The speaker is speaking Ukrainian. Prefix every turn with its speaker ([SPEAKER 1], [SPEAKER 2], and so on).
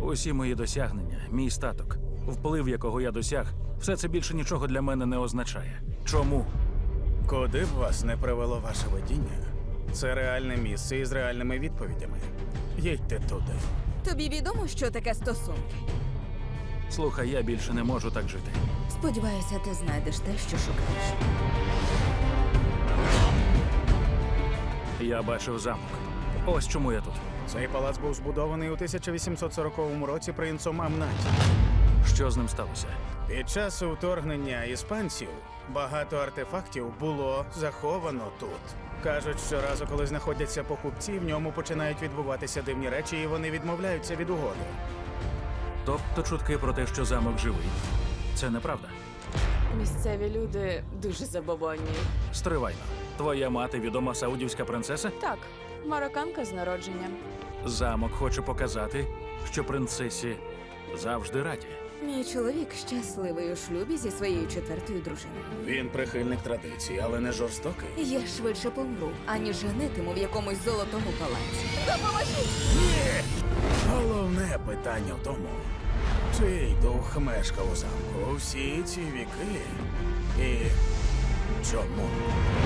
[SPEAKER 1] Усі мої досягнення, мій статок, вплив, якого я досяг, все це більше нічого для мене не означає. Чому?
[SPEAKER 2] Куди б вас не привело ваше видіння, це реальне місце із реальними відповідями. Їдьте туди.
[SPEAKER 3] Тобі відомо, що таке стосунки?
[SPEAKER 1] Слухай, я більше не можу так жити.
[SPEAKER 3] Сподіваюся, ти знайдеш те, що шукаєш.
[SPEAKER 1] Я бачив замок. Ось чому я тут.
[SPEAKER 2] Цей палац був збудований у 1840 році принцом Амнаті.
[SPEAKER 1] Що з ним сталося?
[SPEAKER 2] Під час вторгнення іспанців багато артефактів було заховано тут. Кажуть, що разу, коли знаходяться покупці, в ньому починають відбуватися дивні речі, і вони відмовляються від угоди.
[SPEAKER 1] Тобто чутки про те, що замок живий. Це неправда.
[SPEAKER 4] Місцеві люди дуже забобонні.
[SPEAKER 1] Стривайно. Твоя мати відома саудівська принцеса?
[SPEAKER 4] Так, марокканка з народження.
[SPEAKER 1] Замок хоче показати, що принцесі завжди раді.
[SPEAKER 3] Мій чоловік щасливий у шлюбі зі своєю четвертою дружиною.
[SPEAKER 2] Він прихильник традицій, але не жорстокий.
[SPEAKER 3] Я швидше помру, аніж женитиму в якомусь золотому палаці. Допоможіть!
[SPEAKER 2] Головне питання в тому, чий дух мешкав у замку всі ці віки і чому?